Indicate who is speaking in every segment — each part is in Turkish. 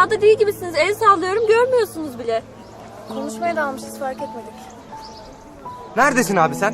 Speaker 1: rüyada değil gibisiniz. El sallıyorum, görmüyorsunuz bile.
Speaker 2: Konuşmaya dalmışız, fark etmedik.
Speaker 3: Neredesin abi sen?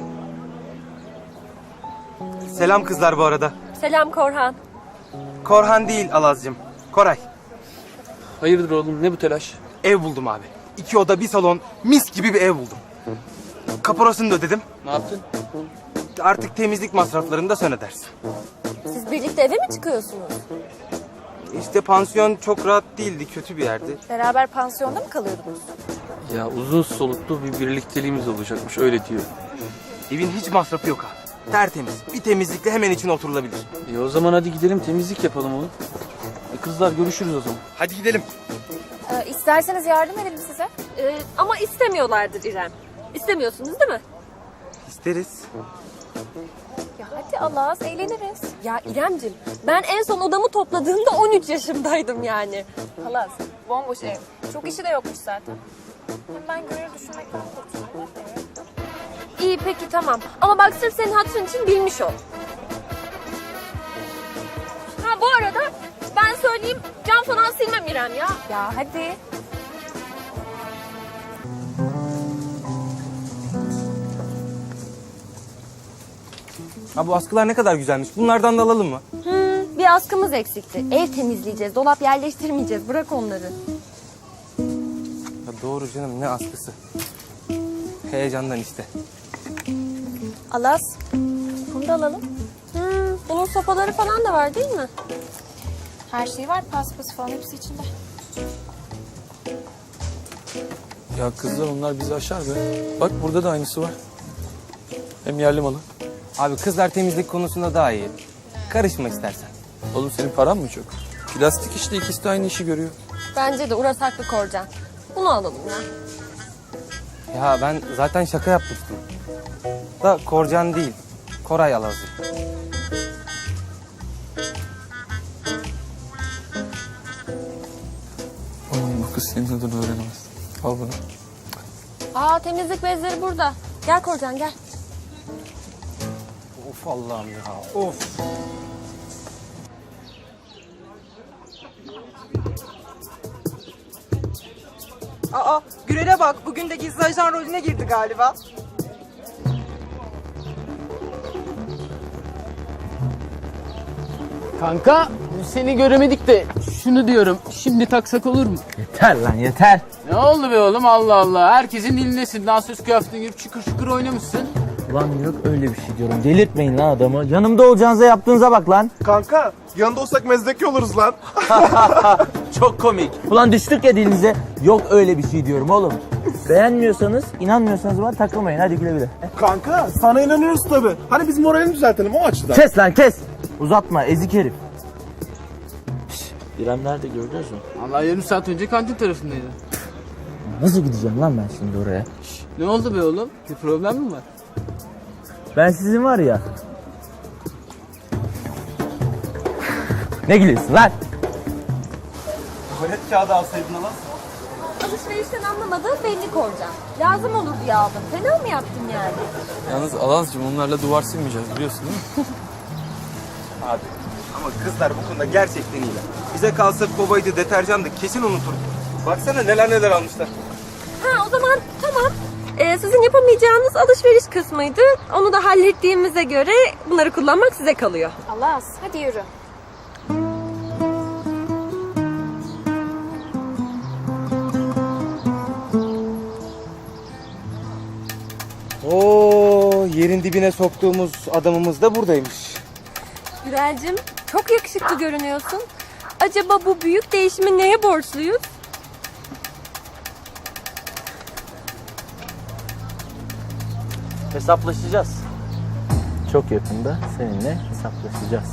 Speaker 3: Selam kızlar bu arada.
Speaker 1: Selam Korhan.
Speaker 3: Korhan değil Alazcığım. Koray.
Speaker 4: Hayırdır oğlum, ne bu telaş?
Speaker 3: Ev buldum abi. 2 oda 1 salon mis gibi bir ev buldum. Kaporasını da ödedim.
Speaker 4: Ne yaptın?
Speaker 3: Artık temizlik masraflarını da sen ödersin.
Speaker 1: Siz birlikte eve mi çıkıyorsunuz?
Speaker 3: İşte pansiyon çok rahat değildi, kötü bir yerdi.
Speaker 2: Beraber pansiyonda mı kalıyordunuz?
Speaker 4: Ya uzun soluklu bir birlikteliğimiz olacakmış, öyle diyor.
Speaker 3: Evin hiç masrafı yok abi. Tertemiz. Bir temizlikle hemen içine oturulabilir.
Speaker 4: O zaman hadi gidelim temizlik yapalım oğlum. Kızlar görüşürüz o zaman.
Speaker 3: Hadi gidelim.
Speaker 2: İsterseniz yardım edelim size.
Speaker 1: Ama istemiyorlardır İrem. İstemiyorsunuz değil mi?
Speaker 3: İsteriz.
Speaker 2: Ya hadi Allah, eğleniriz.
Speaker 1: Ya İremcim, ben en son odamı topladığımda 13 yaşındaydım yani.
Speaker 2: Halas, bomboş ev. Çok işi de yokmuş zaten. Hem ben gönül düşünmekten kurtuldum.
Speaker 1: İyi peki tamam. Ama bak sırf senin hatırın için bilmiş ol. Ha bu arada ben söyleyeyim, cam falan silmem İrem ya.
Speaker 2: Ya hadi.
Speaker 3: Ha bu askılar ne kadar güzelmiş. Bunlardan da alalım mı?
Speaker 1: Bir askımız eksikti. Ev temizleyeceğiz, dolap yerleştirmeyeceğiz. Bırak onları.
Speaker 3: Ya doğru canım, ne askısı. Heyecandan işte.
Speaker 2: Alas, bunu da alalım.
Speaker 1: Bunun sopaları falan da var değil mi?
Speaker 2: Her şey var, paspas falan hepsi içinde.
Speaker 4: Ya kızlar onlar bizi aşar be. Bak burada da aynısı var. Hem yerli malı.
Speaker 3: Abi kızlar temizlik konusunda daha iyi. Karışma istersen.
Speaker 4: Oğlum senin paran mı çok? Plastik işte, ikisi de aynı işi görüyor.
Speaker 1: Bence de Uras haklı Korcan. Bunu alalım ya.
Speaker 3: Ya ben zaten şaka yapmıştım. Da Korcan değil. Koray Alazlı.
Speaker 4: Oğlum bu kız senin adını öğrenemez. Al bunu.
Speaker 1: Aa temizlik bezleri burada. Gel Korcan gel.
Speaker 3: Of Allah'ım ya. Of.
Speaker 5: Aa, Gürel'e bak. Bugün de gizli ajan rolüne girdi galiba.
Speaker 6: Kanka seni göremedik de şunu diyorum, şimdi taksak olur mu?
Speaker 7: Yeter lan yeter.
Speaker 6: Ne oldu be oğlum, Allah Allah, herkesin dilindesin, dansöz kıyafetine girip şıkır şıkır oynamışsın.
Speaker 7: Ulan yok öyle bir şey diyorum. Delirtmeyin lan adamı. Yanımda olacağınıza yaptığınıza bak lan.
Speaker 8: Kanka yanında olsak mezdeki oluruz lan.
Speaker 7: Çok komik. Ulan düştük ya dilinize. Yok öyle bir şey diyorum oğlum. Beğenmiyorsanız, inanmıyorsanız bana takılmayın. Hadi güle güle.
Speaker 8: Kanka sana inanıyoruz tabi. Hani biz moralini düzeltelim o açıdan.
Speaker 7: Kes lan kes. Uzatma ezik herif. Şş, İrem nerede gördünüz mü?
Speaker 6: Allah, yarım saat önce kantin tarafındaydı.
Speaker 7: Nasıl gideceğim lan ben şimdi oraya?
Speaker 6: Ne oldu be oğlum, bir problem mi var?
Speaker 7: Ben sizin var ya. Ne gülüyorsun lan?
Speaker 3: Tuvalet kağıdı alsaydın Alaz.
Speaker 1: Alışverişten anlamadığın belli Korcan. Lazım olur diye aldım. Fena mı yaptın yani?
Speaker 4: Yalnız Alazcığım onlarla duvar silmeyeceğiz biliyorsun değil mi?
Speaker 3: Abi ama kızlar bu konuda gerçekten iyiler. Bize kalsa kovaydı, deterjandı kesin unuturduk. Baksana neler neler almışlar.
Speaker 1: Ha o zaman tamam. Sizin yapamayacağınız alışveriş kısmıydı. Onu da hallettiğimize göre bunları kullanmak size kalıyor.
Speaker 2: Alas, hadi yürü.
Speaker 3: Oo, yerin dibine soktuğumuz adamımız da buradaymış.
Speaker 1: Gürelcim çok yakışıklı görünüyorsun. Acaba bu büyük değişimi neye borçluyuz?
Speaker 7: Hesaplaşacağız. Çok yakında seninle hesaplaşacağız.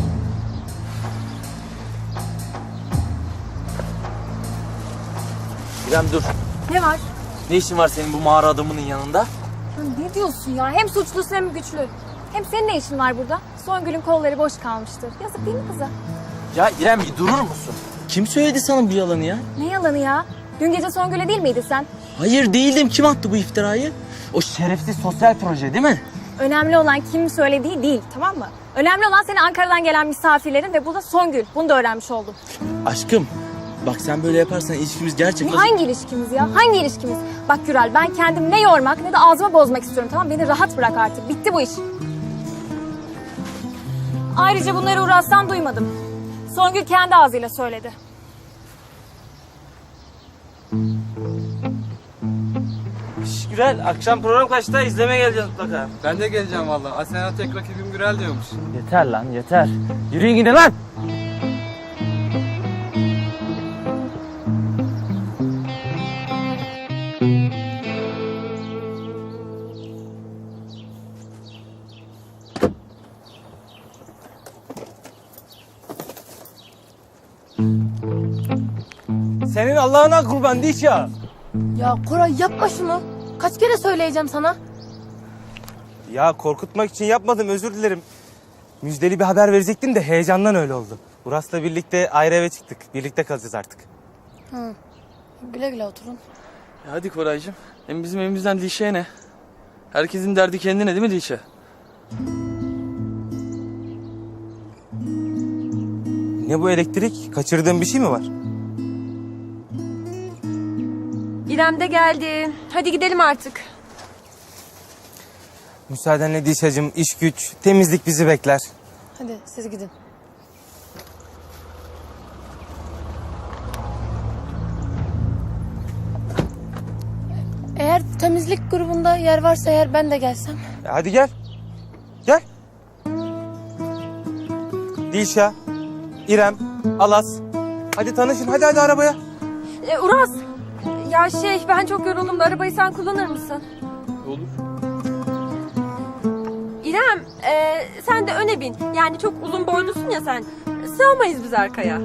Speaker 7: İrem dur.
Speaker 2: Ne var?
Speaker 7: Ne işin var senin bu mağara adamının yanında?
Speaker 2: Ya ne diyorsun ya? Hem suçlusun hem güçlü. Hem senin ne işin var burada? Songül'ün kolları boş kalmıştır. Yazık değil mi kıza?
Speaker 7: Ya İrem bir durur musun? Kim söyledi sana bu yalanı ya?
Speaker 2: Ne yalanı ya? Dün gece Songül'e değil miydin sen?
Speaker 7: Hayır değildim. Kim attı bu iftirayı? O şerefsiz sosyal proje değil mi?
Speaker 2: Önemli olan kim söylediği değil, tamam mı? Önemli olan senin Ankara'dan gelen misafirlerin ve burada Songül. Bunu da öğrenmiş oldum.
Speaker 7: Aşkım Bak sen böyle yaparsan ilişkimiz gerçekten...
Speaker 2: Hangi ilişkimiz ya? Hangi ilişkimiz? Bak Gürel, ben kendimi ne yormak ne de ağzıma bozmak istiyorum, tamam? Beni rahat bırak artık. Bitti bu iş. Ayrıca bunları Uras'tan duymadım. Songül kendi ağzıyla söyledi.
Speaker 7: Gürel, akşam program kaçta? İzlemeye geleceğiz mutlaka.
Speaker 3: Ben de geleceğim vallahi. Asena tek rakibim Gürel diyormuş.
Speaker 7: Yeter lan, yeter. Yürüyün gidin lan! Senin Allah'ına kurban Dişa.
Speaker 1: Ya Koray yapma şunu. Kaç kere söyleyeceğim sana?
Speaker 3: Ya korkutmak için yapmadım, özür dilerim. Müjdeli bir haber verecektim de heyecandan öyle oldu. Uras'la birlikte ayrı eve çıktık. Birlikte kalacağız artık.
Speaker 1: Güle güle oturun.
Speaker 4: Hadi Koraycığım. Hem bizim evimizden Dişe'ye ne? Herkesin derdi kendine değil mi Dişe?
Speaker 3: Ne bu elektrik? Kaçırdığın bir şey mi var?
Speaker 1: İrem de geldi. Hadi gidelim artık.
Speaker 3: Müsaadenle Dişacığım, iş güç, temizlik bizi bekler.
Speaker 1: Hadi siz gidin. Eğer temizlik grubunda yer varsa eğer ben de gelsem.
Speaker 3: Hadi gel. Gel. Dilşah, İrem, Alas. Hadi tanışın, hadi arabaya.
Speaker 1: Uras. Ya ben çok yoruldum da arabayı sen kullanır mısın?
Speaker 4: Olur.
Speaker 1: İrem sen de öne bin. Yani çok uzun boylusun ya sen. Sığamayız biz arkaya.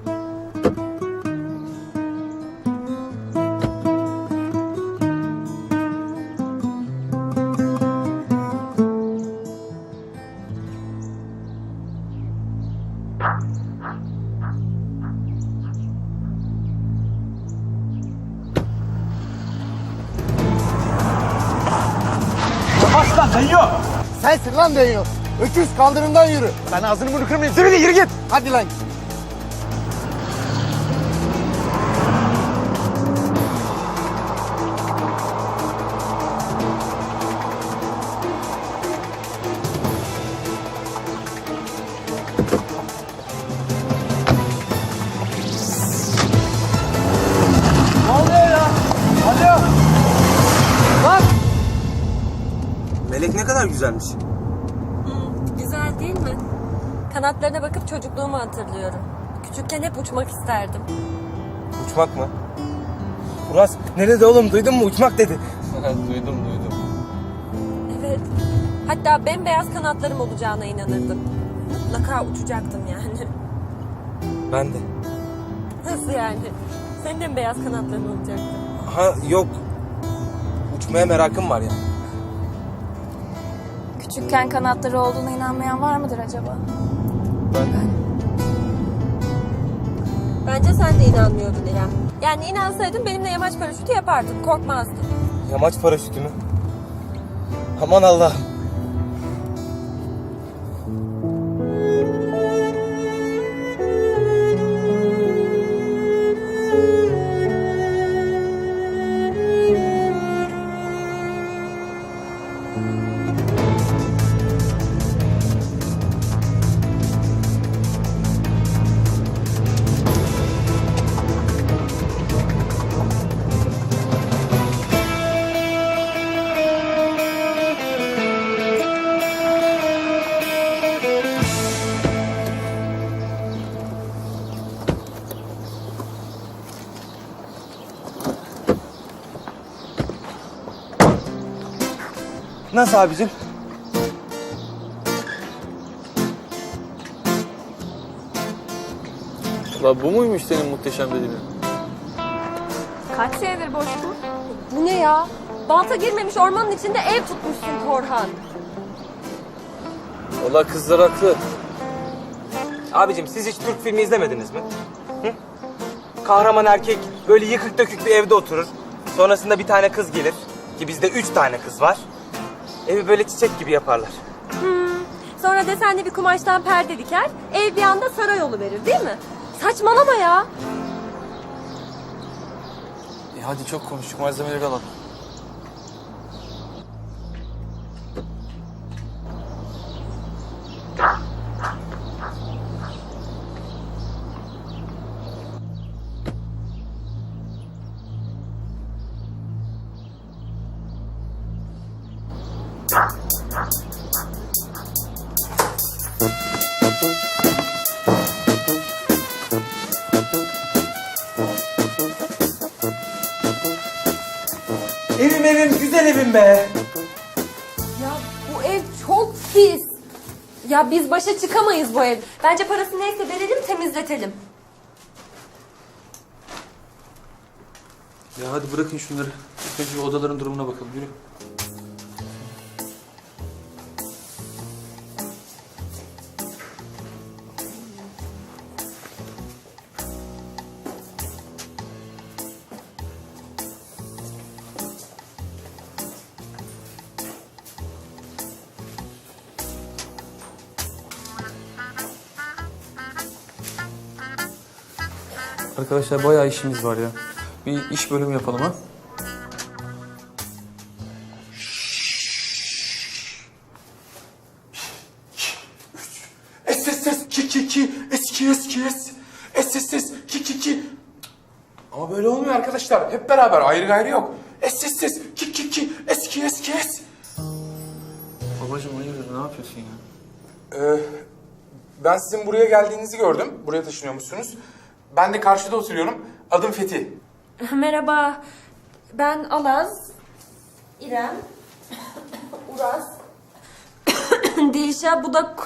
Speaker 8: Sensin lan deniyor. Öküz kaldırımdan yürü. Ben ağzını bunu kırmayayım. Yürü git. Hadi lan.
Speaker 3: Melek ne kadar güzelmiş.
Speaker 1: Güzel değil mi? Kanatlarına bakıp çocukluğumu hatırlıyorum. Küçükken hep uçmak isterdim.
Speaker 3: Uçmak mı? Uras ne dedi oğlum, duydun mu? Uçmak dedi.
Speaker 4: duydum.
Speaker 1: Evet. Hatta bembeyaz kanatlarım olacağına inanırdım. Mutlaka uçacaktım yani.
Speaker 3: Ben de.
Speaker 1: Nasıl yani? Senin de mi beyaz kanatların olacaktı?
Speaker 3: Ha yok. Uçmaya merakım var ya.
Speaker 2: Küçükken kanatları olduğuna inanmayan var mıdır acaba?
Speaker 1: Bence sen de inanmıyordun İrem. Yani inansaydın benimle yamaç paraşütü yapardın. Korkmazdın.
Speaker 3: Yamaç paraşütü mü? Aman Allah'ım. Nasıl abicim?
Speaker 4: La bu muymuş senin muhteşem dediğin?
Speaker 2: Kaç senedir boş bu?
Speaker 1: Bu ne ya? Balta girmemiş ormanın içinde ev tutmuşsun Korhan.
Speaker 4: Valla kızlar haklı.
Speaker 3: Abicim siz hiç Türk filmi izlemediniz mi? Hı? Kahraman erkek böyle yıkık dökük bir evde oturur. Sonrasında bir tane kız gelir. Ki bizde 3 tane kız var. Evi böyle çiçek gibi yaparlar.
Speaker 1: Sonra desenli bir kumaştan perde diker, ev bir anda saray verir değil mi? Saçmalama ya.
Speaker 4: Hadi çok konuştuk, malzemeleri alalım.
Speaker 3: Evim güzel evim be.
Speaker 1: Ya bu ev çok pis. Ya biz başa çıkamayız bu ev. Bence parası neyse verelim, temizletelim.
Speaker 4: Ya hadi bırakın şunları. İlk önce bir odaların durumuna bakalım, yürü. Arkadaşlar bayağı işimiz var ya. Bir iş bölümü yapalım ha.
Speaker 8: SSS ki SSS ki. Ama böyle olmuyor arkadaşlar. Hep beraber, ayrı gayrı yok. SSS ki SKS.
Speaker 4: Babacığım hayırdır, ne yapıyorsun ya?
Speaker 8: Ben sizin buraya geldiğinizi gördüm. Buraya taşınıyormuşsunuz. Ben de karşıda oturuyorum. Adım Fethi.
Speaker 1: Merhaba. Ben Alaz, İrem, Uras, Dilşah, bu da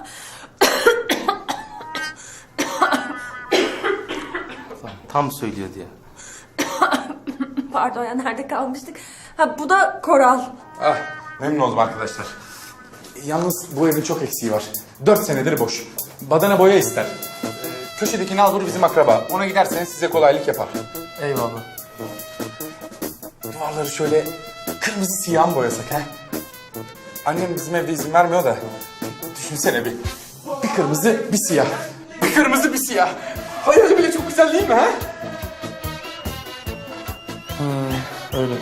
Speaker 3: Tam söylüyordu ya.
Speaker 1: Pardon ya, nerede kalmıştık? Ha, bu da Koral.
Speaker 8: Ah, memnun oldum arkadaşlar. Yalnız bu evin çok eksiği var. 4 senedir boş. Badana boya ister. Köşedeki Nalbur bizim akraba. Ona giderseniz size kolaylık yapar.
Speaker 4: Eyvallah.
Speaker 8: Duvarları şöyle kırmızı siyah mı boyasak ha? Annem bizim evde izin vermiyor da. Düşünsene bir. Bir kırmızı, bir siyah. Bir kırmızı, bir siyah. Hayali bile çok güzel değil mi ha?
Speaker 4: Öyle.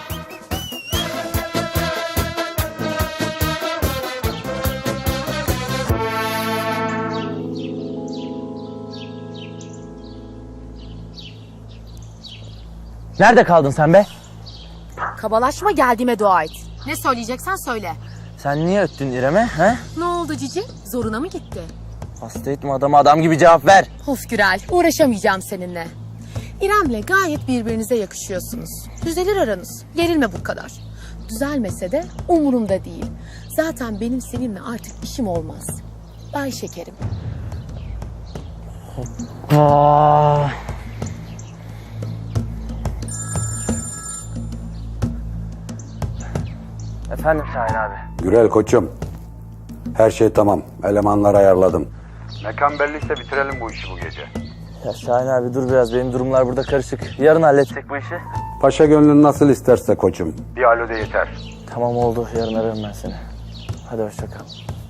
Speaker 7: Nerede kaldın sen be?
Speaker 9: Kabalaşma, geldiğime dua et. Ne söyleyeceksen söyle.
Speaker 7: Sen niye öttün İrem'e? He?
Speaker 9: Ne oldu Cici? Zoruna mı gitti?
Speaker 7: Hasta etme adamı, adam gibi cevap ver.
Speaker 9: Of Gürel, uğraşamayacağım seninle. İrem'le gayet birbirinize yakışıyorsunuz. Düzelir aranız. Gerilme bu kadar. Düzelmese de umurumda değil. Zaten benim seninle artık işim olmaz. Bay şekerim.
Speaker 7: Aa. Efendim Şahin abi.
Speaker 10: Gürel koçum. Her şey tamam. Elemanları ayarladım. Mekan belliyse bitirelim bu işi bu gece.
Speaker 7: Ya Şahin abi dur biraz, benim durumlar burada karışık. Yarın halletsek bu işi.
Speaker 10: Paşa gönlün nasıl isterse koçum. Bir alo de yeter.
Speaker 7: Tamam oldu, yarın ararım ben seni. Hadi hoşça kal.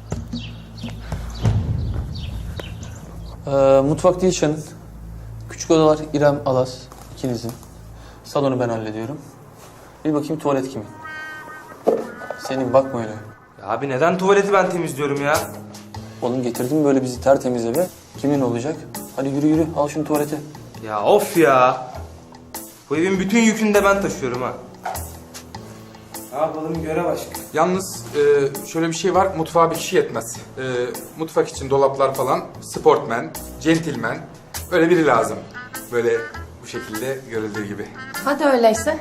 Speaker 4: Mutfak Dilşah'ın. Küçük odalar İrem, Alas ikinizin. Salonu ben hallediyorum. Bir bakayım tuvalet kimin? Senin, bakma öyle.
Speaker 3: Ya abi neden tuvaleti ben temizliyorum ya?
Speaker 4: Oğlum getirdim böyle bizi tertemiz eve. Kimin olacak? Hadi yürü yürü, al şunu tuvalete.
Speaker 3: Ya of ya. Bu evin bütün yükünü de ben taşıyorum ha. Ne yapalım, görev aşkı.
Speaker 8: Yalnız şöyle bir şey var. Mutfağa bir kişi yetmez. Mutfak için dolaplar falan. Sportman, centilmen. Öyle biri lazım. Böyle bu şekilde görüldüğü gibi.
Speaker 9: Hadi öyleyse.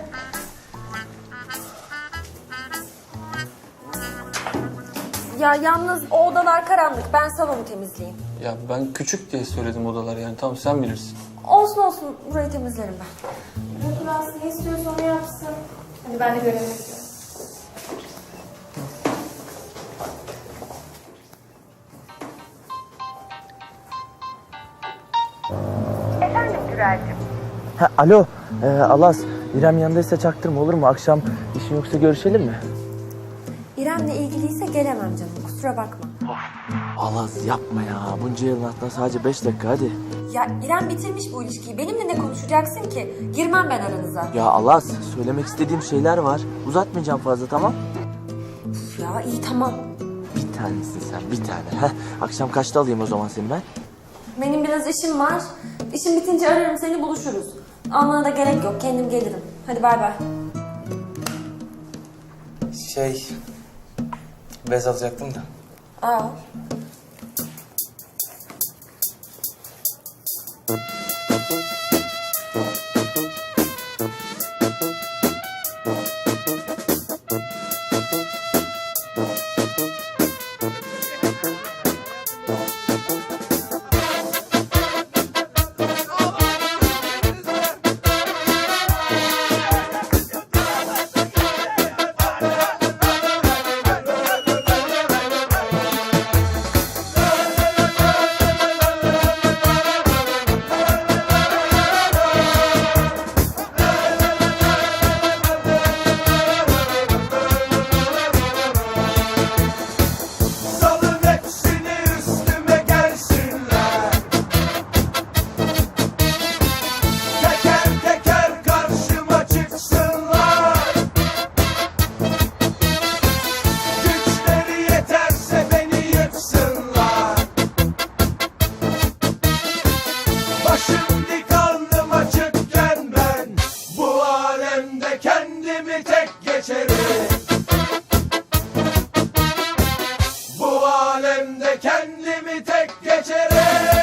Speaker 1: Ya yalnız o odalar karanlık. Ben salonu temizleyeyim.
Speaker 4: Ya ben küçük diye söyledim odalar, yani tamam sen bilirsin.
Speaker 1: Olsun olsun, burayı temizlerim ben.
Speaker 2: Biraz ne istiyorsa onu yapsın. Hadi ben de görevimi yapıyorum.
Speaker 7: Ha, alo Alas, İrem yanındaysa çaktırma, olur mu? Akşam işin yoksa görüşelim mi?
Speaker 1: İrem'le ilgiliyse gelemem canım, kusura bakma.
Speaker 7: Alaz yapma ya. Bunca yılın hatta sadece 5 dakika hadi.
Speaker 1: Ya İrem bitirmiş bu ilişkiyi. Benimle ne konuşacaksın ki? Girmem ben aranıza.
Speaker 7: Ya Alaz söylemek istediğim şeyler var. Uzatmayacağım fazla tamam?
Speaker 1: Üf ya iyi tamam.
Speaker 7: Bir tanesin sen bir tane. Heh, akşam kaçta alayım o zaman seni ben?
Speaker 1: Benim biraz işim var. İşim bitince ararım seni buluşuruz. Almana da gerek yok. Kendim gelirim. Hadi bay bay.
Speaker 3: Bez alacaktım da.
Speaker 1: Aa.
Speaker 11: Salın hepsini üstüme gelsinler. Teker teker karşıma çıksınlar. Güçleri yeterse beni yıksınlar. Başım dik alnım açıkken ben bu alemde kendimi tek geçerim. Bu alemde kendimi tek geçerim.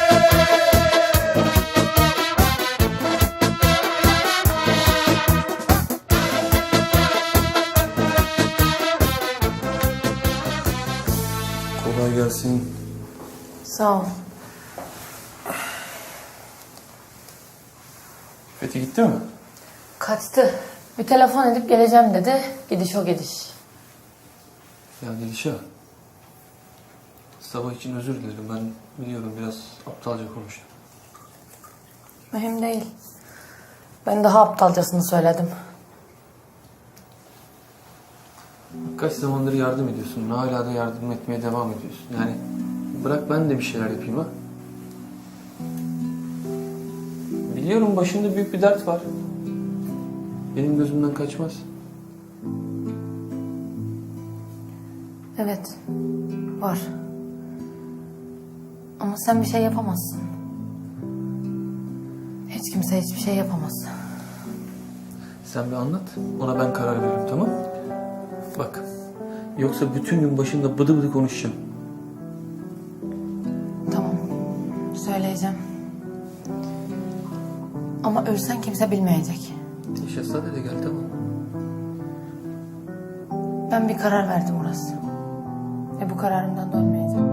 Speaker 4: Kolay gelsin.
Speaker 9: Sağ ol.
Speaker 4: Fethi gitti mi?
Speaker 9: Kaçtı. Bir telefon edip geleceğim dedi. Gidiş o gidiş.
Speaker 4: Ya Dilşah. Sabah için özür dilerim. Ben biliyorum biraz aptalca konuştum.
Speaker 9: Mühim değil. Ben daha aptalcasını söyledim.
Speaker 4: Kaç zamandır yardım ediyorsun. Hala da yardım etmeye devam ediyorsun. Yani bırak ben de bir şeyler yapayım ha. Biliyorum başında büyük bir dert var. Benim gözümden kaçmaz.
Speaker 9: Evet. Var. Ama sen bir şey yapamazsın. Hiç kimse hiçbir şey yapamaz.
Speaker 4: Sen bir anlat. Ona ben karar veririm tamam mı? Bak. Yoksa bütün gün başında bıdı bıdı konuşacağım.
Speaker 9: Tamam. Söyleyeceğim. Ama ölsen kimse bilmeyecek.
Speaker 4: Şehzade de gel tamam.
Speaker 9: Ben bir karar verdim Uras. Ve bu kararımdan dönmeyeceğim.